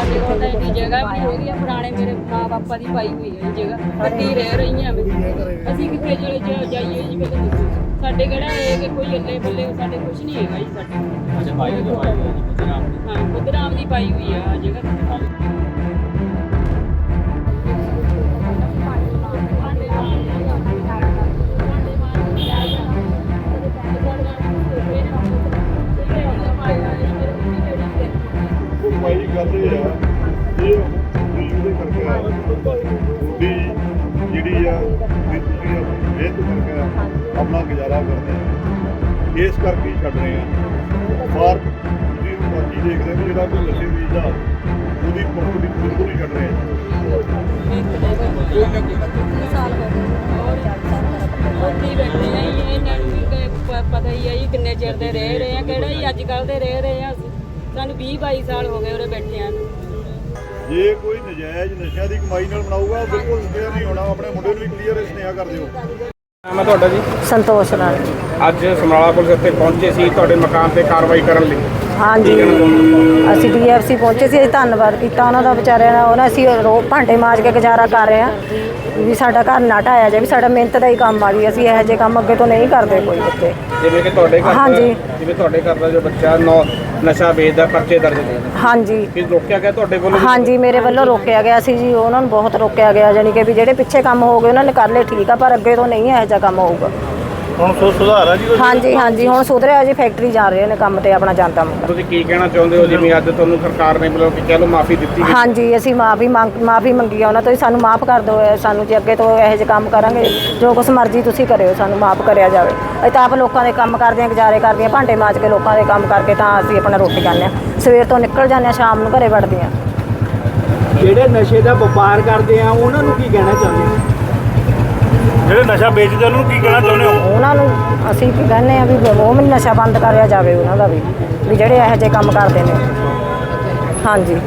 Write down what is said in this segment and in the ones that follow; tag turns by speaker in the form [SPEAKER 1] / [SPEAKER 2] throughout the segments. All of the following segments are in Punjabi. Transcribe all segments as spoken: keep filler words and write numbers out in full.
[SPEAKER 1] ਸਾਡੇ ਕੋਲ ਤਾਂ ਇੰਨੀ ਜਗ੍ਹਾ ਵੀ ਹੋ ਗਈ ਆ, ਪੁਰਾਣੇ ਮੇਰੇ ਮਾਂ ਬਾਪਾ ਦੀ ਪਾਈ ਹੋਈ ਹੈ ਇਹ ਜਗ੍ਹਾ, ਕੱਟੀ ਰਹਿ ਰਹੀਆਂ ਵੀ ਅਸੀਂ ਕਿੱਥੇ ਚਲੇ ਜਾ- ਜਾਈਏ ਜੀ। ਪਹਿਲਾਂ ਦੱਸੋ ਸਾਡੇ ਕਿਹੜਾ ਹੈ ਕਿ ਕੋਈ ਅੱਲੇ ਬੱਲੇ ਸਾਡੇ ਕੁਝ ਨਹੀਂ ਹੈਗਾ ਜੀ ਸਾਡੇ। ਅੱਛਾ ਪਾਈ ਹੋਈ ਹੈ ਜੀ ਹਾਂ, ਬੁੱਧਰਾਮ ਦੀ ਪਾਈ ਹੋਈ ਆ ਆਹ ਜਗ੍ਹਾ।
[SPEAKER 2] ਭਾਈ ਗੱਲ ਇਹ ਆ ਇਹ ਉਹਦੇ ਕਰਕੇ ਆ ਵੀ ਜਿਹੜੀ ਆ ਵੀ ਤੁਸੀਂ ਮਿਹਨਤ ਕਰਕੇ ਆਪਣਾ ਗੁਜ਼ਾਰਾ ਕਰਦੇ ਆ, ਇਸ ਕਰਕੇ ਹੀ ਛੱਡ ਰਹੇ ਆ। ਬਾਹਰ ਤੁਸੀਂ ਬਾਕੀ ਦੇਖਦੇ ਵੀ ਜਿਹੜਾ ਕੋਈ ਨਸ਼ੇ ਵੇਚਦਾ ਉਹਦੀ ਪ੍ਰੋਪਰਟੀ ਬਿਲਕੁਲ ਹੀ ਛੱਡ ਰਹੇ ਆ।
[SPEAKER 1] ਉੱਥੇ ਬੈਠੇ ਆ ਜੀ, ਇਹਨਾਂ ਨੂੰ ਵੀ ਪਤਾ ਹੀ ਆ ਜੀ ਕਿੰਨੇ ਚਿਰ ਦੇ ਰਹਿ ਰਹੇ ਆ, ਕਿਹੜਾ ਹੀ ਅੱਜ ਕੱਲ੍ਹ ਦੇ ਰਹਿ ਰਹੇ ਆ। ਸਾਨੂੰ ਵੀਹ ਬਾਈ ਸਾਲ ਹੋ ਗਏ ਉਰੇ ਬੈਠਿਆਂ ਨੂੰ।
[SPEAKER 2] ਜੇ ਕੋਈ ਨਜਾਇਜ਼ ਨਸ਼ਿਆਂ ਦੀ ਕਮਾਈ ਨਾਲ ਬਣਾਊਗਾ ਉਹ ਬਿਲਕੁਲ ਕਲੀਅਰ ਨਹੀਂ ਹੋਣਾ। ਆਪਣੇ ਮੁੰਡੇ ਨੂੰ ਵੀ ਕਲੀਅਰ ਸੁਨੇਹਾ ਕਰ ਦਿਓ।
[SPEAKER 3] ਨਾਮ ਹੈ ਤੁਹਾਡਾ ਜੀ?
[SPEAKER 4] ਸੰਤੋਸ਼ ਨਾਲ।
[SPEAKER 3] ਅੱਜ ਸਮਰਾਲਾ ਪੁਲਿਸ ਇੱਥੇ ਪਹੁੰਚੇ ਸੀ ਤੁਹਾਡੇ ਮਕਾਨ ਤੇ ਕਾਰਵਾਈ ਕਰਨ ਲਈ।
[SPEAKER 4] ਹਾਂਜੀ ਅਸੀਂ ਡੀ ਐਫ ਸੀ ਪਹੁੰਚੇ ਸੀ, ਅਸੀਂ ਧੰਨਵਾਦ ਕੀਤਾ ਉਹਨਾਂ ਦਾ ਵਿਚਾਰਿਆਂ ਦਾ। ਉਹਨਾਂ ਅਸੀਂ ਰੋ ਭਾਂਡੇ ਮਾਂਜ ਕੇ ਗੁਜ਼ਾਰਾ ਕਰ ਰਹੇ ਹਾਂ ਵੀ ਸਾਡਾ ਘਰ ਨਾ ਢਾਇਆ ਜਾਵੇ, ਸਾਡਾ ਮਿਹਨਤ ਦਾ ਹੀ ਕੰਮ ਆ ਜੀ। ਅਸੀਂ ਇਹੋ ਜਿਹੇ ਕੰਮ ਅੱਗੇ ਤੋਂ ਨਹੀਂ ਕਰਦੇ ਕੋਈ ਇੱਥੇ।
[SPEAKER 3] ਜਿਵੇਂ ਕਿ ਤੁਹਾਡੇ ਘਰ
[SPEAKER 4] ਹਾਂਜੀ
[SPEAKER 3] ਜਿਵੇਂ ਤੁਹਾਡੇ ਘਰ ਦਾ ਜੋ ਬੱਚਾ ਨੌ ਨਸ਼ਾ ਵੇਚਦਾ, ਪਰਚੇ ਦਰਜ ਨੇ।
[SPEAKER 4] ਹਾਂਜੀ
[SPEAKER 3] ਕੀ ਰੋਕਿਆ ਗਿਆ ਤੁਹਾਡੇ ਵੱਲੋਂ?
[SPEAKER 4] ਹਾਂਜੀ ਮੇਰੇ ਵੱਲੋਂ ਰੋਕਿਆ ਗਿਆ ਸੀ ਜੀ, ਉਹਨਾਂ ਨੂੰ ਬਹੁਤ ਰੋਕਿਆ ਗਿਆ। ਜਾਣੀ ਕਿ ਵੀ ਜਿਹੜੇ ਪਿੱਛੇ ਕੰਮ ਹੋ ਗਏ ਉਹਨਾਂ ਨੇ ਕਰ ਲਏ ਠੀਕ ਆ, ਪਰ ਅੱਗੇ ਤੋਂ ਨਹੀਂ ਇਹੋ ਜਿਹਾ ਕੰਮ ਹੋਊਗਾ।
[SPEAKER 2] ਹੁਣ ਸੋ ਸੁਧਾਰ ਆ ਜੀ?
[SPEAKER 4] ਹਾਂਜੀ ਹਾਂਜੀ ਹੁਣ ਸੁਧਰਿਆ ਜੀ, ਫੈਕਟਰੀ ਜਾ ਰਹੇ ਨੇ ਕੰਮ ਤੇ ਆਪਣਾ ਜਾਂਦਾ ਮੁੰਡਾ।
[SPEAKER 3] ਤੁਸੀਂ ਕੀ ਕਹਿਣਾ ਚਾਹੁੰਦੇ ਹੋ ਜਿਵੇਂ ਅੱਜ ਤੁਹਾਨੂੰ ਸਰਕਾਰ ਨੇ ਮਤਲਬ ਕਿ ਕਹਿ ਲਓ ਮਾਫੀ ਦਿੱਤੀ ਗਈ?
[SPEAKER 4] ਹਾਂਜੀ ਅਸੀਂ ਮਾਫੀ ਮੰਗ ਮਾਫੀ ਮੰਗੀ ਆ ਉਹਨਾਂ ਤੋਂ, ਸਾਨੂੰ ਮਾਫ ਕਰ ਦਿਓ। ਸਾਨੂੰ ਜੇ ਅੱਗੇ ਤੋਂ ਇਹੋ ਜਿਹੇ ਕੰਮ ਕਰਾਂਗੇ ਜੋ ਕੁਛ ਮਰਜ਼ੀ ਤੁਸੀਂ ਕਰਿਓ, ਸਾਨੂੰ ਮਾਫ ਕਰਿਆ ਜਾਵੇ। ਅਸੀਂ ਤਾਂ ਆਪ ਲੋਕਾਂ ਦੇ ਕੰਮ ਕਰਦੇ ਹਾਂ, ਗੁਜ਼ਾਰੇ ਕਰਦੇ ਹਾਂ, ਭਾਂਡੇ ਮਾਂਜ ਕੇ ਲੋਕਾਂ ਦੇ ਕੰਮ ਕਰਕੇ ਤਾਂ ਅਸੀਂ ਆਪਣਾ ਰੋਟੀ ਖਾਂਦੇ ਹਾਂ। ਸਵੇਰ ਤੋਂ ਨਿਕਲ ਜਾਂਦੇ ਹਾਂ, ਸ਼ਾਮ ਨੂੰ ਘਰੇ ਵੜਦੇ ਹਾਂ।
[SPEAKER 5] ਜਿਹੜੇ ਨਸ਼ੇ ਦਾ ਵਪਾਰ ਕਰਦੇ ਆ ਉਹਨਾਂ ਨੂੰ ਕੀ ਕਹਿਣਾ ਚਾਹੁੰਦੇ ਹੋ?
[SPEAKER 2] ਜਿਹੜੇ ਨਸ਼ਾ ਵੇਚਦੇ ਉਹਨਾਂ ਨੂੰ ਕੀ ਕਹਿਣਾ ਚਾਹੁੰਦੇ ਹੋ?
[SPEAKER 4] ਉਹਨਾਂ ਨੂੰ ਅਸੀਂ ਕੀ ਕਹਿੰਦੇ ਆ ਵੀ ਉਹ ਵੀ ਨਸ਼ਾ ਬੰਦ ਕਰਿਆ ਜਾਵੇ ਉਹਨਾਂ ਦਾ ਵੀ, ਵੀ ਜਿਹੜੇ ਇਹੋ ਜਿਹੇ ਕੰਮ ਕਰਦੇ ਨੇ। ਹਾਂਜੀ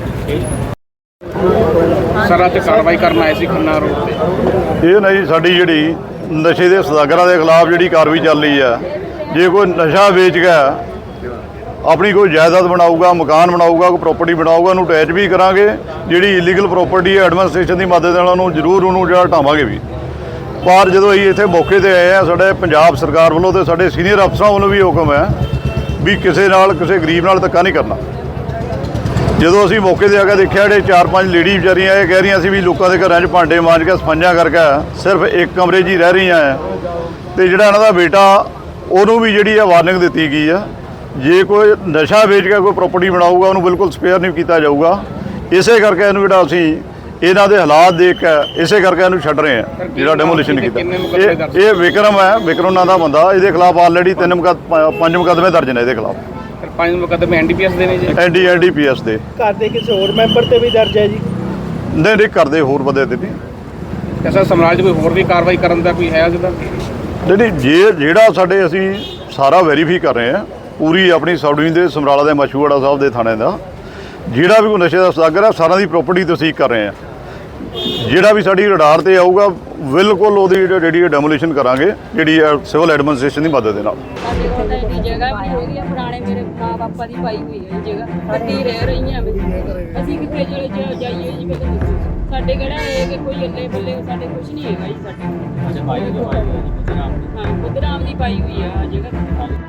[SPEAKER 3] ਸਰ ਅੱਜ ਕਾਰਵਾਈ ਕਰਨ ਆਏ ਸੀ ਖੰਨਾ ਰੋਡ ਤੇ।
[SPEAKER 2] ਇਹ ਨਾ ਜੀ ਸਾਡੀ ਜਿਹੜੀ ਨਸ਼ੇ ਦੇ ਸਦਾਗਰਾਂ ਦੇ ਖਿਲਾਫ ਜਿਹੜੀ ਕਾਰਵਾਈ ਚੱਲ ਰਹੀ ਆ। ਜੇ ਕੋਈ ਨਸ਼ਾ ਵੇਚ ਗਿਆ ਆਪਣੀ ਕੋਈ ਜਾਇਦਾਦ ਬਣਾਊਗਾ, ਮਕਾਨ ਬਣਾਊਗਾ, ਕੋਈ ਪ੍ਰਾਪਰਟੀ ਬਣਾਊਗਾ, ਉਹਨੂੰ ਅਟੈਚ ਵੀ ਕਰਾਂਗੇ। ਜਿਹੜੀ ਇਲੀਗਲ ਪ੍ਰਾਪਰਟੀ ਹੈ ਐਡਮਿਨਿਸਟ੍ਰੇਸ਼ਨ ਦੀ ਮਦਦ ਨਾਲ ਉਹਨੂੰ ਜ਼ਰੂਰ ਉਹਨੂੰ ਜਿਹੜਾ ਹਟਾਵਾਂਗੇ ਵੀ। ਪਰ ਜਦੋਂ ਅਸੀਂ ਇੱਥੇ ਮੌਕੇ ਤੇ ਆਏ ਆ, ਸਾਡੇ ਪੰਜਾਬ ਸਰਕਾਰ ਵੱਲੋਂ ਤੇ ਸਾਡੇ ਸੀਨੀਅਰ ਅਫਸਰਾਂ ਵੱਲੋਂ ਵੀ ਹੁਕਮ ਹੈ ਵੀ ਕਿਸੇ ਨਾਲ ਕਿਸੇ ਗਰੀਬ ਨਾਲ ਧੱਕਾ ਨਹੀਂ ਕਰਨਾ। ਜਦੋਂ ਅਸੀਂ ਮੌਕੇ ਤੇ ਆ ਕੇ ਦੇਖਿਆ ਜਿਹੜੇ ਚਾਰ ਪੰਜ ਲੇਡੀ ਵਿਚਾਰੀਆਂ ਇਹ ਕਹਿ ਰਹੀਆਂ ਸੀ ਵੀ ਲੋਕਾਂ ਦੇ ਘਰਾਂ 'ਚ ਭਾਂਡੇ ਮਾਂਜ ਕੇ ਸਫਾਈਆਂ ਕਰਕੇ ਸਿਰਫ ਇੱਕ ਕਮਰੇ 'ਚ ਹੀ ਰਹਿ ਰਹੀਆਂ ਹੈ। ਤੇ ਜਿਹੜਾ ਇਹਨਾਂ ਦਾ ਬੇਟਾ ਉਹਨੂੰ ਵੀ ਜਿਹੜੀ ਆ ਵਾਰਨਿੰਗ ਦਿੱਤੀ ਗਈ ਆ, ਜੇ ਕੋਈ ਨਸ਼ਾ ਵੇਚ ਕੇ ਕੋਈ ਪ੍ਰਾਪਰਟੀ ਬਣਾਊਗਾ ਉਹਨੂੰ ਬਿਲਕੁਲ ਸਪੇਅਰ ਨਹੀਂ ਕੀਤਾ ਜਾਊਗਾ। ਇਸੇ ਕਰਕੇ ਇਹਨੂੰ ਜਿਹੜਾ ਅਸੀਂ ਇਹਨਾਂ ਦੇ ਹਾਲਾਤ ਦੇਖ ਕੇ ਇਸੇ ਕਰਕੇ ਇਹਨੂੰ ਛੱਡ ਰਹੇ ਆ, ਜਿਹੜਾ ਡੈਮੋਲੀਸ਼ਨ ਕੀਤਾ। ਇਹ ਇਹ ਵਿਕਰਮ ਹੈ, ਵਿਕਰਮ ਨਾਂ ਦਾ ਬੰਦਾ। ਇਹਦੇ ਖਿਲਾਫ ਆਲਰੇਡੀ ਤਿੰਨ ਮੁਕੱਦ ਪੰਜ ਮੁਕੱਦਮੇ ਦਰਜ ਨੇ ਇਹਦੇ ਖਿਲਾਫ।
[SPEAKER 3] ਪੰਜ ਮੁਕੱਦਮੇ ਐਨ ਡੀ ਪੀ ਐਸ ਦੇ ਨੇ ਜੀ?
[SPEAKER 2] N D N D P S ਦੇ।
[SPEAKER 5] ਘਰ ਦੇ ਕਿਸੇ ਹੋਰ ਮੈਂਬਰ ਤੇ ਵੀ ਦਰਜ ਹੈ ਜੀ?
[SPEAKER 2] ਨਹੀਂ ਨਹੀਂ ਕਰਦੇ ਹੋਰ ਬੰਦੇ ਤੇ ਨਹੀਂ।
[SPEAKER 3] ਸਰ ਸਮਰਾਲ 'ਚ ਕੋਈ ਹੋਰ ਵੀ ਕਾਰਵਾਈ ਕਰਨ ਦਾ ਕੋਈ ਹੈ ਜਿਹਦਾ?
[SPEAKER 2] ਨਹੀਂ ਨਹੀਂ ਜੇ ਜਿਹੜਾ ਸਾਡੇ ਅਸੀਂ ਸਾਰਾ ਵੈਰੀਫਾਈ ਕਰ ਰਹੇ ਹਾਂ ਪੂਰੀ ਆਪਣੀ ਸਬ ਡਿਵੀਜ਼ਨ ਦੇ ਸਮਰਾਲਾ ਦੇ ਮਸ਼ਹੂੜਾ ਸਾਹਿਬ ਦੇ ਥਾਣੇ ਦਾ, ਜਿਹੜਾ ਵੀ ਕੋਈ ਨਸ਼ੇ ਦਾ ਸਦਾਗਰ ਹੈ ਸਾਰਿਆਂ ਦੀ ਪ੍ਰੋਪਰਟੀ ਤਸਦੀਕ ਕਰ ਰਹੇ ਹਾਂ। ਜਿਹੜਾ ਵੀ ਸਾਡੀ ਰਡਾਰ ਤੇ ਆਊਗਾ ਬਿਲਕੁਲ ਉਹਦੀ ਜਿਹੜੀ ਡੈਮੋਲੀਸ਼ਨ ਕਰਾਂਗੇ, ਜਿਹੜੀ ਸਿਵਲ ਐਡਮਿਨਿਸਟ੍ਰੇਸ਼ਨ ਦੀ ਮਦਦ ਦੇ ਨਾਲ।
[SPEAKER 1] ਸਾਡੇ ਕੋਲ ਤਾਂ ਇੰਨੀ ਜਗ੍ਹਾ ਵੀ ਹੋ ਗਈ ਆ, ਪੁਰਾਣੇ ਮੇਰੇ ਮਾਂ ਬਾਪਾ ਦੀ ਪਾਈ ਹੋਈ ਹੈ ਇਹ ਜਗ੍ਹਾ, ਕੱਟੀ ਰਹਿ ਰਹੀਆਂ ਵੀ ਅਸੀਂ ਕਿੱਥੇ ਚਲੇ ਜਾ- ਜਾਈਏ ਜੀ। ਪਹਿਲਾਂ ਦੱਸੋ ਸਾਡੇ ਕਿਹੜਾ ਹੈ ਕਿ ਕੋਈ ਅੱਲੇ ਬੱਲੇ ਸਾਡੇ ਕੁਝ ਨਹੀਂ ਹੈਗਾ ਜੀ ਸਾਡੇ। ਅੱਛਾ ਪਾਈ ਹੋਈ ਹੈ ਜੀ ਬੁੱਧਰਾਮ ਦੀ? ਹਾਂ ਬੁੱਧਰਾਮ ਦੀ ਪਾਈ ਹੋਈ ਆ ਆਹ ਜਗ੍ਹਾ।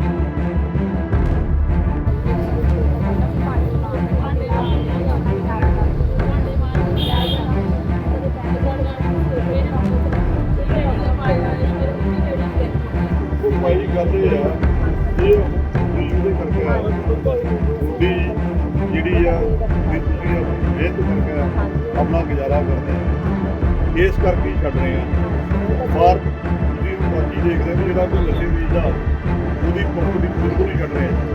[SPEAKER 2] ਭਾਈ ਗੱਲ ਇਹ ਆ ਇਹ ਉਹਦੇ ਕਰਕੇ ਆ ਵੀ ਜਿਹੜੀ ਆ ਵੀ ਤੁਸੀਂ ਮਿਹਨਤ ਕਰਕੇ ਆਪਣਾ ਗੁਜ਼ਾਰਾ ਕਰਦੇ ਆ, ਇਸ ਕਰਕੇ ਹੀ ਛੱਡ ਰਹੇ ਆ। ਬਾਹਰ ਤੁਸੀਂ ਬਾਕੀ ਦੇਖਦੇ ਵੀ ਜਿਹੜਾ ਕੋਈ ਨਸ਼ੇ ਵੇਚਦਾ ਉਹਦੀ ਪ੍ਰੋਪਰਟੀ ਬਿਲਕੁਲ ਹੀ ਛੱਡ ਰਹੇ ਆ।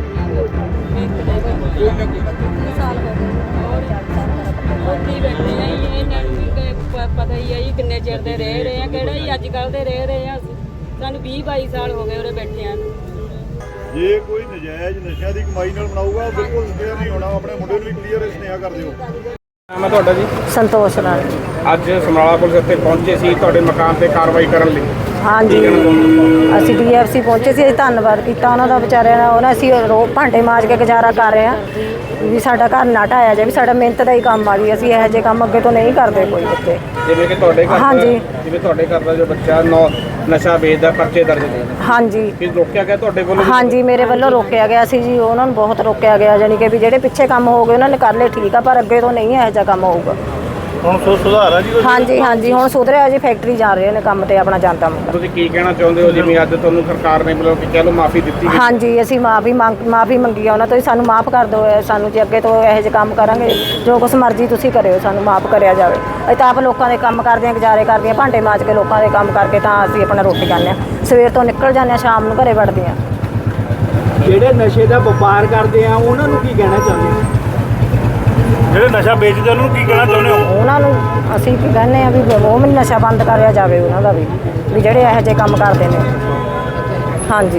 [SPEAKER 1] ਉੱਥੇ ਬੈਠੇ ਆ ਜੀ, ਇਹਨਾਂ ਨੂੰ ਵੀ ਪਤਾ ਹੀ ਆ ਜੀ ਕਿੰਨੇ ਚਿਰ ਦੇ ਰਹਿ ਰਹੇ ਆ, ਕਿਹੜਾ ਹੀ ਅੱਜ ਕੱਲ੍ਹ ਦੇ ਰਹਿ ਰਹੇ ਆ। ਸਾਨੂੰ ਵੀਹ ਬਾਈ ਸਾਲ ਹੋ ਗਏ ਉਰੇ ਬੈਠਿਆਂ ਨੂੰ।
[SPEAKER 2] ਜੇ ਕੋਈ ਨਜਾਇਜ਼ ਨਸ਼ਿਆਂ ਦੀ ਕਮਾਈ ਨਾਲ ਬਣਾਊਗਾ ਉਹ ਬਿਲਕੁਲ ਕਲੀਅਰ ਨਹੀਂ ਹੋਣਾ। ਆਪਣੇ ਮੁੰਡੇ ਨੂੰ ਵੀ ਕਲੀਅਰ ਸੁਨੇਹਾ ਕਰ ਦਿਓ।
[SPEAKER 3] ਨਾਮ ਹੈ ਤੁਹਾਡਾ ਜੀ?
[SPEAKER 4] ਸੰਤੋਸ਼ ਨਾਲ।
[SPEAKER 3] ਅੱਜ ਸਮਰਾਲਾ ਪੁਲਿਸ ਇੱਥੇ ਪਹੁੰਚੇ ਸੀ ਤੁਹਾਡੇ ਮਕਾਨ ਤੇ ਕਾਰਵਾਈ ਕਰਨ ਲਈ।
[SPEAKER 4] ਹਾਂਜੀ ਅਸੀਂ ਡੀ ਐਫ ਸੀ ਪਹੁੰਚੇ ਸੀ। ਅਸੀਂ ਧੰਨਵਾਦ ਕੀਤਾ ਉਹਨਾਂ ਦਾ, ਵਿਚਾਰਿਆਂ ਦਾ। ਉਹਨਾਂ ਅਸੀਂ ਰੋ ਭਾਂਡੇ ਮਾਂਜ ਕੇ ਗੁਜ਼ਾਰਾ ਕਰ ਰਹੇ ਹਾਂ ਵੀ ਸਾਡਾ ਘਰ ਨਾ ਢਾਇਆ ਜਾਵੇ। ਵੀ ਸਾਡਾ ਮਿਹਨਤ ਦਾ ਹੀ ਕੰਮ ਆ ਜੀ। ਅਸੀਂ ਇਹੋ ਜਿਹੇ ਕੰਮ ਅੱਗੇ ਤੋਂ ਨਹੀਂ ਕਰਦੇ ਕੋਈ ਬੱਚੇ।
[SPEAKER 3] ਜਿਵੇਂ ਕਿ ਤੁਹਾਡੇ ਘਰ
[SPEAKER 4] ਹਾਂਜੀ।
[SPEAKER 3] ਦਾ ਜਿਵੇਂ ਤੁਹਾਡੇ ਘਰ ਦਾ ਜੋ ਬੱਚਾ ਨੌ ਨਸ਼ਾ ਵੇਚਦਾ, ਪਰਚੇ ਦਰਜ ਨੇ,
[SPEAKER 4] ਹਾਂਜੀ
[SPEAKER 3] ਕੀ ਰੋਕਿਆ ਗਿਆ ਤੁਹਾਡੇ ਵੱਲੋਂ?
[SPEAKER 4] ਹਾਂਜੀ ਮੇਰੇ ਵੱਲੋਂ ਰੋਕਿਆ ਗਿਆ ਸੀ ਜੀ। ਉਹਨਾਂ ਨੂੰ ਬਹੁਤ ਰੋਕਿਆ ਗਿਆ, ਜਾਣੀ ਕਿ ਵੀ ਜਿਹੜੇ ਪਿੱਛੇ ਕੰਮ ਹੋ ਗਏ ਉਹਨਾਂ ਨੇ ਕਰ ਲਏ, ਠੀਕ ਆ, ਪਰ ਅੱਗੇ ਤੋਂ ਨਹੀਂ ਇਹੋ ਜਿਹਾ ਕੰਮ ਹੋਊਗਾ।
[SPEAKER 5] ਹੁਣ ਸੋ ਸੁਧਾਰ ਆ ਜੀ ਕੁਛ?
[SPEAKER 4] ਹਾਂਜੀ ਹਾਂਜੀ ਹੁਣ ਸੁਧਰਿਆ ਜੀ। ਫੈਕਟਰੀ ਜਾ ਰਹੇ ਨੇ ਕੰਮ ਤੇ ਆਪਣਾ ਜਾਂਦਾ ਮੁੰਡਾ।
[SPEAKER 3] ਤੁਸੀਂ ਕੀ ਕਹਿਣਾ ਚਾਹੁੰਦੇ ਹੋ ਜਿਵੇਂ ਅੱਜ ਤੁਹਾਨੂੰ ਸਰਕਾਰ ਨੇ ਮਤਲਬ ਕਿ ਕਹਿ ਲਓ ਮਾਫੀ ਦਿੱਤੀ ਗਈ?
[SPEAKER 4] ਹਾਂਜੀ ਅਸੀਂ ਮਾਫੀ ਮੰਗ ਮਾਫੀ ਮੰਗੀ ਆ ਉਹਨਾਂ ਤੋਂ। ਸਾਨੂੰ ਮਾਫ ਕਰ ਦਿਓ, ਸਾਨੂੰ ਜੇ ਅੱਗੇ ਤੋਂ ਇਹੋ ਜਿਹੇ ਕੰਮ ਕਰਾਂਗੇ, ਜੋ ਕੁਛ ਮਰਜ਼ੀ ਤੁਸੀਂ ਕਰਿਓ, ਸਾਨੂੰ ਮਾਫ ਕਰਿਆ ਜਾਵੇ। ਅਸੀਂ ਤਾਂ ਆਪ ਲੋਕਾਂ ਦੇ ਕੰਮ ਕਰਦੇ ਹਾਂ, ਗੁਜ਼ਾਰੇ ਕਰਦੇ ਹਾਂ, ਭਾਂਡੇ ਮਾਂਜ ਕੇ ਲੋਕਾਂ ਦੇ ਕੰਮ ਕਰਕੇ ਤਾਂ ਅਸੀਂ ਆਪਣਾ ਰੋਟੀ ਖਾਂਦੇ ਹਾਂ। ਸਵੇਰ ਤੋਂ ਨਿਕਲ ਜਾਂਦੇ ਹਾਂ, ਸ਼ਾਮ ਨੂੰ ਘਰੇ ਵੜਦੇ ਹਾਂ।
[SPEAKER 5] ਜਿਹੜੇ ਨਸ਼ੇ ਦਾ ਵਪਾਰ ਕਰਦੇ ਆ ਉਹਨਾਂ ਨੂੰ ਕੀ ਕਹਿਣਾ ਚਾਹੁੰਦੇ ਹੋ? ਜਿਹੜੇ ਨਸ਼ਾ ਵੇਚਦੇ ਉਹਨਾਂ ਨੂੰ ਕੀ ਕਹਿਣਾ ਚਾਹੁੰਦੇ ਹੋ?
[SPEAKER 4] ਉਹਨਾਂ ਨੂੰ ਅਸੀਂ ਕੀ ਕਹਿੰਦੇ ਆ ਵੀ ਉਹ ਵੀ ਨਸ਼ਾ ਬੰਦ ਕਰਿਆ ਜਾਵੇ ਉਹਨਾਂ ਦਾ ਵੀ ਵੀ ਜਿਹੜੇ ਇਹੋ ਜਿਹੇ ਕੰਮ ਕਰਦੇ ਨੇ। ਹਾਂਜੀ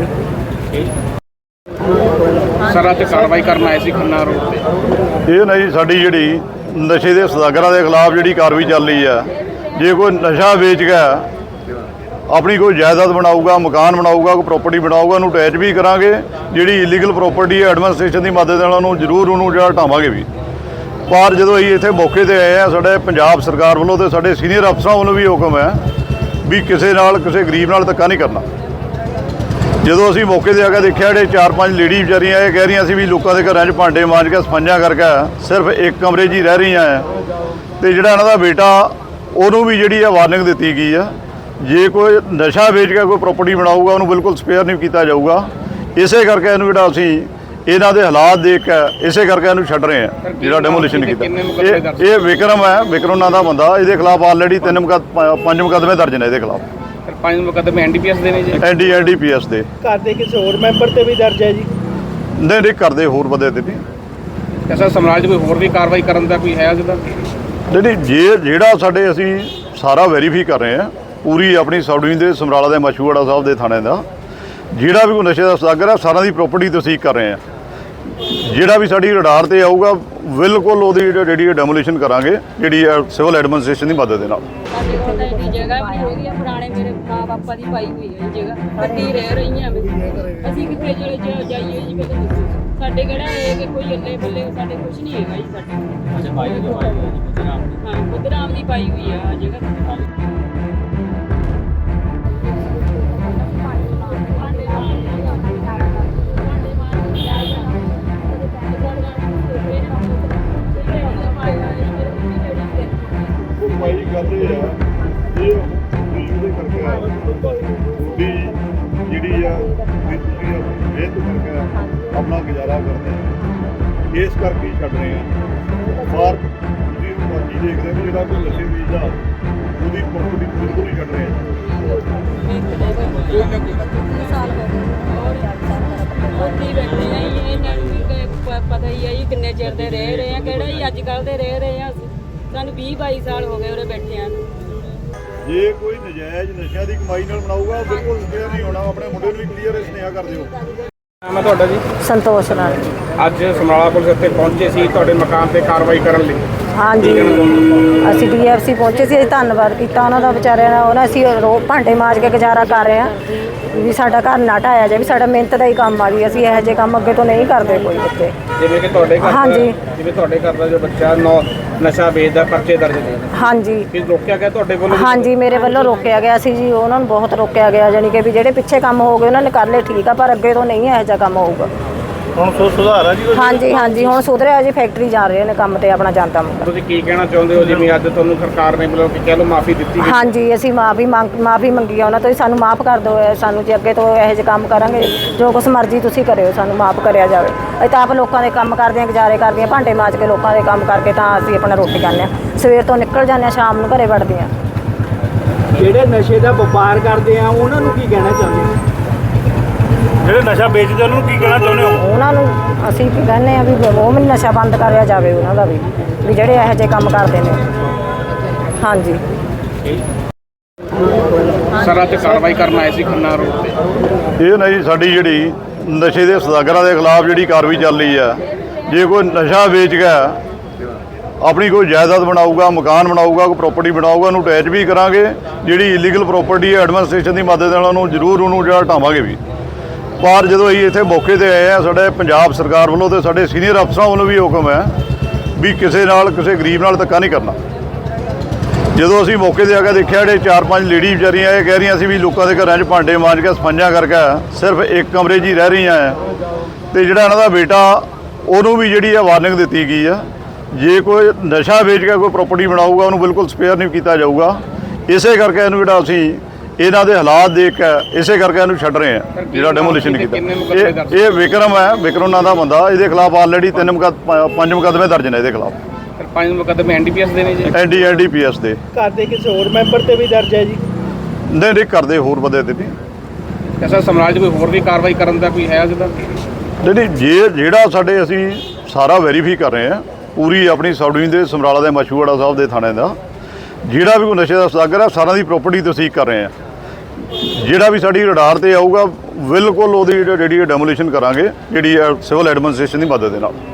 [SPEAKER 3] ਸਰ ਅੱਜ ਕਾਰਵਾਈ ਕਰਨ ਆਏ ਸੀ ਖੰਨਾ ਰੋਡ ਤੇ।
[SPEAKER 2] ਇਹ ਨਾ ਜੀ ਸਾਡੀ ਜਿਹੜੀ ਨਸ਼ੇ ਦੇ ਸੌਦਾਗਰਾਂ ਦੇ ਖਿਲਾਫ ਜਿਹੜੀ ਕਾਰਵਾਈ ਚੱਲ ਰਹੀ ਆ, ਜੇ ਕੋਈ ਨਸ਼ਾ ਵੇਚ ਗਿਆ, ਆਪਣੀ ਕੋਈ ਜਾਇਦਾਦ ਬਣਾਊਗਾ, ਮਕਾਨ ਬਣਾਊਗਾ, ਕੋਈ ਪ੍ਰਾਪਰਟੀ ਬਣਾਊਗਾ, ਉਹਨੂੰ ਅਟੈਚ ਵੀ ਕਰਾਂਗੇ। ਜਿਹੜੀ ਇਲੀਗਲ ਪ੍ਰਾਪਰਟੀ ਹੈ ਐਡਮਿਨਿਸਟ੍ਰੇਸ਼ਨ ਦੀ ਮਦਦ ਨਾਲ ਉਹਨੂੰ ਜ਼ਰੂਰ ਉਹਨੂੰ ਜਿਹੜਾ ਢਾਵਾਂਗੇ ਵੀ। ਪਰ ਜਦੋਂ ਅਸੀਂ ਇੱਥੇ ਮੌਕੇ ਤੇ ਆਏ ਆ, ਸਾਡੇ ਪੰਜਾਬ ਸਰਕਾਰ ਵੱਲੋਂ ਤੇ ਸਾਡੇ ਸੀਨੀਅਰ ਅਫਸਰਾਂ ਵੱਲੋਂ ਵੀ ਹੁਕਮ ਹੈ ਵੀ ਕਿਸੇ ਨਾਲ, ਕਿਸੇ ਗਰੀਬ ਨਾਲ ਧੱਕਾ ਨਹੀਂ ਕਰਨਾ। ਜਦੋਂ ਅਸੀਂ ਮੌਕੇ ਤੇ ਆ ਕੇ ਦੇਖਿਆ, ਜਿਹੜੇ ਚਾਰ ਪੰਜ ਲੇਡੀ ਵਿਚਾਰੀਆਂ ਇਹ ਕਹਿ ਰਹੀਆਂ ਸੀ ਵੀ ਲੋਕਾਂ ਦੇ ਘਰਾਂ 'ਚ ਭਾਂਡੇ ਮਾਂਜ ਕੇ ਸਫਾਈਆਂ ਕਰਕੇ ਸਿਰਫ ਇੱਕ ਕਮਰੇ 'ਚ ਹੀ ਰਹਿ ਰਹੀਆਂ ਆ। ਤੇ ਜਿਹੜਾ ਇਹਨਾਂ ਦਾ ਬੇਟਾ, ਉਹਨੂੰ ਵੀ ਜਿਹੜੀ ਆ ਵਾਰਨਿੰਗ ਦਿੱਤੀ ਗਈ ਆ, ਜੇ ਕੋਈ ਨਸ਼ਾ ਵੇਚ ਕੇ ਕੋਈ ਪ੍ਰਾਪਰਟੀ ਬਣਾਊਗਾ ਉਹਨੂੰ ਬਿਲਕੁਲ ਸਪੇਅਰ ਨਹੀਂ ਕੀਤਾ ਜਾਊਗਾ। ਇਸੇ ਕਰਕੇ ਇਹਨੂੰ ਜਿਹੜਾ ਅਸੀਂ ਇਹਨਾਂ ਦੇ ਹਾਲਾਤ ਦੇਖ ਕੇ ਇਸੇ ਕਰਕੇ ਇਹਨੂੰ ਛੱਡ ਰਹੇ ਆ, ਜਿਹੜਾ ਡੈਮੋਲੀਸ਼ਨ ਕੀਤਾ। ਇਹ ਇਹ ਵਿਕਰਮ ਹੈ, ਵਿਕਰਮ ਨਾਂ ਦਾ ਬੰਦਾ। ਇਹਦੇ ਖਿਲਾਫ ਆਲਰੇਡੀ ਤਿੰਨ ਮੁਕੱਦ ਪੰਜ ਮੁਕੱਦਮੇ ਦਰਜ ਨੇ ਇਹਦੇ ਖਿਲਾਫ।
[SPEAKER 3] ਪੰਜ ਮੁਕੱਦਮੇ ਐਨ ਡੀ ਪੀ ਐਸ ਦੇ ਨੇ ਜੀ?
[SPEAKER 2] N D N D P S ਦੇ।
[SPEAKER 5] ਘਰ ਦੇ ਕਿਸੇ ਹੋਰ ਮੈਂਬਰ ਤੇ ਵੀ ਦਰਜ ਹੈ ਜੀ?
[SPEAKER 2] ਨਹੀਂ ਨਹੀਂ, ਕਰਦੇ ਹੋਰ ਬੰਦੇ ਤੇ ਵੀ।
[SPEAKER 3] ਐਸਾ ਸਮਾਜ ਕੋਈ ਹੋਰ ਵੀ ਕਾਰਵਾਈ ਕਰਨ ਦਾ ਕੋਈ ਹੈ ਜਿਹਦਾ?
[SPEAKER 2] ਨਹੀਂ ਨਹੀਂ, ਜੇ ਜਿਹੜਾ ਸਾਡੇ ਅਸੀਂ ਸਾਰਾ ਵੈਰੀਫਾਈ ਕਰ ਰਹੇ ਹਾਂ, ਪੂਰੀ ਆਪਣੀ ਸਬ ਡਿਵੀਜ਼ਨ ਦੇ ਸਮਰਾਲਾ ਦੇ ਮਸ਼ਹੂੜਾ ਸਾਹਿਬ ਦੇ ਥਾਣੇ ਦਾ ਜਿਹੜਾ ਵੀ ਕੋਈ ਨਸ਼ੇ ਦਾ ਸੌਦਾਗਰ ਹੈ, ਸਾਰਿਆਂ ਦੀ ਪ੍ਰਾਪਰਟੀ ਤਸਦੀਕ ਕਰ ਰਹੇ ਹਾਂ। ਜਿਹੜਾ ਵੀ ਸਾਡੀ ਰਡਾਰ ਤੇ ਆਊਗਾ ਬਿਲਕੁਲ ਉਹਦੀ ਜਿਹੜੀ ਡੈਮੋਲੀਸ਼ਨ ਕਰਾਂਗੇ, ਜਿਹੜੀ ਸਿਵਲ ਐਡਮਿਨਿਸਟ੍ਰੇਸ਼ਨ ਦੀ ਮਦਦ ਦੇ ਨਾਲ।
[SPEAKER 1] ਸਾਡੇ ਕੋਲ ਤਾਂ ਇੰਨੀ ਜਗ੍ਹਾ ਵੀ ਹੈਗੀ ਆ, ਪੁਰਾਣੇ ਮੇਰੇ ਮਾਂ ਬਾਪਾ ਦੀ ਪਾਈ ਹੋਈ ਹੈ ਇਹ ਜਗ੍ਹਾ। ਕੱਟੀ ਰਹਿ ਰਹੀਆਂ ਮੈਂ। ਅਸੀਂ ਕਿੱਥੇ ਚਲੇ ਜਾ- ਜਾਈਏ ਜੀ ਪਹਿਲਾਂ ਦੱਸੋ। ਸਾਡੇ ਕਿਹੜਾ ਇਹ ਕਿ ਕੋਈ ਅੱਲੇ ਬੱਲੇ ਸਾਡੇ ਕੁਝ ਨਹੀਂ ਹੈਗਾ ਜੀ ਸਾਡੇ। ਅੱਛਾ ਪਾਈ ਹੋਈ ਹੈ ਜੀ? ਹਾਂ ਬੁੱਧਰਾਮ ਦੀ ਪਾਈ ਹੋਈ ਆ ਆਹ ਜਗ੍ਹਾ।
[SPEAKER 2] ਭਾਈ ਗੱਲ ਇਹ ਆ, ਇਹ ਉਹਦੇ ਕਰਕੇ ਆ ਵੀ ਜਿਹੜੀ ਆ ਵੀ ਤੁਸੀਂ ਮਿਹਨਤ ਕਰਕੇ ਆਪਣਾ ਗੁਜ਼ਾਰਾ ਕਰਦੇ ਆ, ਇਸ ਕਰਕੇ ਹੀ ਛੱਡ ਰਹੇ ਆ। ਬਾਹਰ ਤੁਸੀਂ ਬਾਕੀ ਦੇਖਦੇ ਵੀ ਜਿਹੜਾ ਕੋਈ ਨਸ਼ੇ ਵੇਚਦਾ ਉਹਦੀ ਪ੍ਰਾਪਰਟੀ ਬਿਲਕੁਲ ਹੀ ਛੱਡ ਰਹੇ ਆ।
[SPEAKER 1] ਉੱਥੇ ਹੀ ਬੈਠੇ ਆ ਜੀ, ਇਹਨਾਂ ਨੂੰ ਵੀ ਕ- ਪ- ਪਤਾ ਹੀ ਆ ਜੀ ਕਿੰਨੇ ਚਿਰ ਦੇ ਰਹਿ ਰਹੇ ਆ। ਕਿਹੜਾ ਜੀ ਅੱਜ ਕੱਲ੍ਹ ਦੇ ਰਹਿ ਰਹੇ ਆ ਅਸੀਂ। ਸਾਨੂੰ ਵੀਹ ਬਾਈ ਸਾਲ ਹੋ ਗਏ ਉਰੇ ਬੈਠਿਆਂ ਨੂੰ।
[SPEAKER 2] ਜੇ ਕੋਈ ਨਜਾਇਜ਼ ਨਸ਼ਿਆਂ ਦੀ ਕਮਾਈ ਨਾਲ ਬਣਾਊਗਾ ਉਹ ਬਿਲਕੁਲ ਕਲੀਅਰ ਨਹੀਂ ਹੋਣਾ। ਆਪਣੇ ਮੁੰਡੇ ਨੂੰ ਵੀ ਕਲੀਅਰ ਸੁਨੇਹਾ ਕਰ ਦਿਓ।
[SPEAKER 3] ਨਾਮ ਹੈ ਤੁਹਾਡਾ ਜੀ?
[SPEAKER 4] ਸੰਤੋਸ਼ ਨਾਲ।
[SPEAKER 3] ਅੱਜ ਸਮਰਾਲਾ ਪੁਲਿਸ ਇੱਥੇ ਪਹੁੰਚੇ ਸੀ ਤੁਹਾਡੇ ਮਕਾਨ ਤੇ ਕਾਰਵਾਈ ਕਰਨ ਲਈ।
[SPEAKER 4] ਹਾਂਜੀ ਅਸੀਂ ਡੀ ਐਫ ਸੀ ਪਹੁੰਚੇ ਸੀ। ਅਸੀਂ ਧੰਨਵਾਦ ਕੀਤਾ ਉਹਨਾਂ ਦਾ, ਵਿਚਾਰਿਆਂ ਦਾ। ਉਹਨਾਂ ਅਸੀਂ ਰੋ ਭਾਂਡੇ ਮਾਂਜ ਕੇ ਗੁਜ਼ਾਰਾ ਕਰ ਰਹੇ ਹਾਂ ਵੀ ਸਾਡਾ ਘਰ ਨਾ ਢਾਇਆ ਜਾਵੇ। ਸਾਡਾ ਮਿਹਨਤ ਦਾ ਹੀ ਕੰਮ ਆ ਜੀ। ਅਸੀਂ ਇਹੋ ਜਿਹੇ ਕੰਮ ਅੱਗੇ ਤੋਂ ਨਹੀਂ ਕਰਦੇ ਕੋਈ ਬੱਚੇ।
[SPEAKER 3] ਜਿਵੇਂ ਕਿ ਤੁਹਾਡੇ ਘਰ
[SPEAKER 4] ਹਾਂਜੀ।
[SPEAKER 3] ਦਾ ਜਿਵੇਂ ਤੁਹਾਡੇ ਘਰ ਦਾ ਜੋ ਬੱਚਾ ਨੌ ਨਸ਼ਾ ਵੇਚਦਾ, ਪਰਚੇ ਦਰਜ ਨੇ,
[SPEAKER 4] ਹਾਂਜੀ
[SPEAKER 3] ਕੀ ਰੋਕਿਆ ਗਿਆ ਤੁਹਾਡੇ ਵੱਲੋਂ?
[SPEAKER 4] ਹਾਂਜੀ ਮੇਰੇ ਵੱਲੋਂ ਰੋਕਿਆ ਗਿਆ ਸੀ ਜੀ। ਉਹਨਾਂ ਨੂੰ ਬਹੁਤ ਰੋਕਿਆ ਗਿਆ, ਜਾਣੀ ਕਿ ਵੀ ਜਿਹੜੇ ਪਿੱਛੇ ਕੰਮ ਹੋ ਗਏ ਉਹਨਾਂ ਨੇ ਕਰ ਲਏ, ਠੀਕ ਆ, ਪਰ ਅੱਗੇ ਤੋਂ ਨਹੀਂ ਇਹੋ ਜਿਹਾ ਕੰਮ ਹੋਊਗਾ।
[SPEAKER 5] ਹੁਣ ਸੋ ਸੁਧਾਰ ਆ ਜੀ ਕੁਛ?
[SPEAKER 4] ਹਾਂਜੀ ਹਾਂਜੀ ਹੁਣ ਸੁਧਰਿਆ ਜੀ। ਫੈਕਟਰੀ ਜਾ ਰਹੇ ਨੇ ਕੰਮ ਤੇ ਆਪਣਾ ਜਾਂਦਾ ਮੁੰਡਾ।
[SPEAKER 3] ਤੁਸੀਂ ਕੀ ਕਹਿਣਾ ਚਾਹੁੰਦੇ ਹੋ ਜਿਵੇਂ ਅੱਜ ਤੁਹਾਨੂੰ ਸਰਕਾਰ ਨੇ ਮਤਲਬ ਕਿ ਕਹਿ ਲਓ ਮਾਫੀ ਦਿੱਤੀ ਗਈ?
[SPEAKER 4] ਹਾਂਜੀ ਅਸੀਂ ਮਾਫੀ ਮੰਗ ਮਾਫੀ ਮੰਗੀ ਆ ਉਹਨਾਂ ਤੋਂ। ਸਾਨੂੰ ਮਾਫ ਕਰ ਦਿਓ, ਸਾਨੂੰ ਜੇ ਅੱਗੇ ਤੋਂ ਇਹੋ ਜਿਹੇ ਕੰਮ ਕਰਾਂਗੇ, ਜੋ ਕੁਛ ਮਰਜ਼ੀ ਤੁਸੀਂ ਕਰਿਓ, ਸਾਨੂੰ ਮਾਫ ਕਰਿਆ ਜਾਵੇ। ਅਸੀਂ ਤਾਂ ਆਪ ਲੋਕਾਂ ਦੇ ਕੰਮ ਕਰਦੇ ਹਾਂ, ਗੁਜ਼ਾਰੇ ਕਰਦੇ ਹਾਂ, ਭਾਂਡੇ ਮਾਂਜ ਕੇ ਲੋਕਾਂ ਦੇ ਕੰਮ ਕਰਕੇ ਤਾਂ ਅਸੀਂ ਆਪਣਾ ਰੋਟੀ ਖਾਂਦੇ ਹਾਂ। ਸਵੇਰ ਤੋਂ ਨਿਕਲ ਜਾਂਦੇ ਹਾਂ, ਸ਼ਾਮ ਨੂੰ ਘਰੇ ਵੜਦੇ ਹਾਂ।
[SPEAKER 5] ਜਿਹੜੇ ਨਸ਼ੇ ਦਾ ਵਪਾਰ ਕਰਦੇ ਆ ਉਹਨਾਂ ਨੂੰ ਕੀ ਕਹਿਣਾ ਚਾਹੁੰਦੇ ਹੋ? ਜਿਹੜੇ ਨਸ਼ਾ ਵੇਚਦੇ ਉਹਨਾਂ ਨੂੰ ਕੀ ਕਹਿਣਾ ਚਾਹੁੰਦੇ ਹੋ?
[SPEAKER 4] ਉਹਨਾਂ ਨੂੰ ਅਸੀਂ ਕੀ ਕਹਿੰਦੇ ਆ ਵੀ ਉਹ ਵੀ ਨਸ਼ਾ ਬੰਦ ਕਰਿਆ ਜਾਵੇ ਉਹਨਾਂ ਦਾ ਵੀ ਵੀ ਜਿਹੜੇ ਇਹੋ ਜਿਹੇ ਕੰਮ ਕਰਦੇ ਨੇ। ਹਾਂਜੀ
[SPEAKER 3] ਸਰ ਅੱਜ ਕਾਰਵਾਈ ਕਰਨ ਆਏ ਸੀ ਖੰਨਾ ਰੋਡ ਤੇ।
[SPEAKER 2] ਇਹ ਨਾ ਜੀ ਸਾਡੀ ਜਿਹੜੀ ਨਸ਼ੇ ਦੇ ਸੌਦਾਗਰਾਂ ਦੇ ਖਿਲਾਫ ਜਿਹੜੀ ਕਾਰਵਾਈ ਚੱਲ ਰਹੀ ਆ, ਜੇ ਕੋਈ ਨਸ਼ਾ ਵੇਚ ਗਿਆ, ਆਪਣੀ ਕੋਈ ਜਾਇਦਾਦ ਬਣਾਊਗਾ, ਮਕਾਨ ਬਣਾਊਗਾ, ਕੋਈ ਪ੍ਰਾਪਰਟੀ ਬਣਾਊਗਾ, ਉਹਨੂੰ ਅਟੈਚ ਵੀ ਕਰਾਂਗੇ। ਜਿਹੜੀ ਇਲੀਗਲ ਪ੍ਰਾਪਰਟੀ ਹੈ ਐਡਮਿਨਿਸਟ੍ਰੇਸ਼ਨ ਦੀ ਮਦਦ ਨਾਲ ਉਹਨੂੰ ਜ਼ਰੂਰ ਉਹਨੂੰ ਜਿਹੜਾ ਢਾਵਾਂਗੇ ਵੀ। ਪਰ ਜਦੋਂ ਅਸੀਂ ਇੱਥੇ ਮੌਕੇ ਤੇ ਆਏ ਆ, ਸਾਡੇ ਪੰਜਾਬ ਸਰਕਾਰ ਵੱਲੋਂ ਤੇ ਸਾਡੇ ਸੀਨੀਅਰ ਅਫਸਰਾਂ ਵੱਲੋਂ ਵੀ ਹੁਕਮ ਹੈ ਵੀ ਕਿਸੇ ਨਾਲ, ਕਿਸੇ ਗਰੀਬ ਨਾਲ ਧੱਕਾ ਨਹੀਂ ਕਰਨਾ। ਜਦੋਂ ਅਸੀਂ ਮੌਕੇ ਤੇ ਆ ਕੇ ਦੇਖਿਆ, ਜਿਹੜੇ ਚਾਰ ਪੰਜ ਲੇਡੀ ਵਿਚਾਰੀਆਂ ਇਹ ਕਹਿ ਰਹੀਆਂ ਸੀ ਵੀ ਲੋਕਾਂ ਦੇ ਘਰਾਂ 'ਚ ਭਾਂਡੇ ਮਾਂਜ ਕੇ ਸਫਾਈਆਂ ਕਰਕੇ ਸਿਰਫ ਇੱਕ ਕਮਰੇ 'ਚ ਹੀ ਰਹਿ ਰਹੀਆਂ ਹੈ। ਤੇ ਜਿਹੜਾ ਇਹਨਾਂ ਦਾ ਬੇਟਾ, ਉਹਨੂੰ ਵੀ ਜਿਹੜੀ ਆ ਵਾਰਨਿੰਗ ਦਿੱਤੀ ਗਈ ਆ, ਜੇ ਕੋਈ ਨਸ਼ਾ ਵੇਚ ਕੇ ਕੋਈ ਪ੍ਰਾਪਰਟੀ ਬਣਾਊਗਾ ਉਹਨੂੰ ਬਿਲਕੁਲ ਸਪੇਅਰ ਨਹੀਂ ਕੀਤਾ ਜਾਊਗਾ। ਇਸੇ ਕਰਕੇ ਇਹਨੂੰ ਜਿਹੜਾ ਅਸੀਂ ਇਹਨਾਂ ਦੇ ਹਾਲਾਤ ਦੇਖ ਕੇ ਇਸੇ ਕਰਕੇ ਇਹਨੂੰ ਛੱਡ ਰਹੇ ਆ, ਜਿਹੜਾ ਡੈਮੋਲੀਸ਼ਨ ਕੀਤਾ। ਇਹ ਇਹ ਵਿਕਰਮ ਹੈ, ਵਿਕਰਮ ਨਾਂ ਦਾ ਬੰਦਾ। ਇਹਦੇ ਖਿਲਾਫ ਆਲਰੇਡੀ ਤਿੰਨ ਮੁਕੱਦ ਪੰਜ ਮੁਕੱਦਮੇ ਦਰਜ ਨੇ ਇਹਦੇ ਖਿਲਾਫ।
[SPEAKER 3] ਪੰਜ ਮੁਕੱਦਮੇ ਐਨ ਡੀ ਪੀ ਐਸ ਦੇ ਨੇ ਜੀ।
[SPEAKER 2] N D N D P S ਦੇ।
[SPEAKER 5] ਘਰ ਦੇ ਕਿਸੇ ਹੋਰ ਮੈਂਬਰ ਤੇ ਵੀ ਦਰਜ ਹੈ ਜੀ?
[SPEAKER 2] ਨਹੀਂ ਨਹੀਂ, ਕਰਦੇ ਹੋਰ ਬੰਦੇ ਤੇ ਵੀ।
[SPEAKER 3] ਐਸਾ ਸਮਰਾਜ ਕੋਈ ਹੋਰ ਵੀ ਕਾਰਵਾਈ ਕਰਨ ਦਾ ਕੋਈ ਹੈ ਜਿਹਦਾ?
[SPEAKER 2] ਨਹੀਂ ਨਹੀਂ, ਜੇ ਜਿਹੜਾ ਸਾਡੇ ਅਸੀਂ ਸਾਰਾ ਵੈਰੀਫਾਈ ਕਰ ਰਹੇ ਹਾਂ, ਪੂਰੀ ਆਪਣੀ ਸਬ ਦੇ ਸਮਰਾਲਾ ਦੇ ਮਸ਼ਹੂੜਾ ਸਾਹਿਬ ਦੇ ਥਾਣੇ ਦਾ ਜਿਹੜਾ ਵੀ ਕੋਈ ਨਸ਼ੇ ਦਾ ਸੌਦਾਗਰ ਹੈ, ਸਾਰਿਆਂ ਦੀ ਪ੍ਰਾਪਰਟੀ ਤਸਦੀਕ ਕਰ ਰਹੇ ਹਾਂ। ਜਿਹੜਾ ਵੀ ਸਾਡੀ ਰਡਾਰ ਤੇ ਆਊਗਾ ਬਿਲਕੁਲ ਉਹਦੀ ਜਿਹੜੀ ਡੈਮੋਲੀਸ਼ਨ ਕਰਾਂਗੇ, ਜਿਹੜੀ ਸਿਵਲ ਐਡਮਿਨਿਸਟ੍ਰੇਸ਼ਨ ਦੀ ਮਦਦ ਦੇ ਨਾਲ।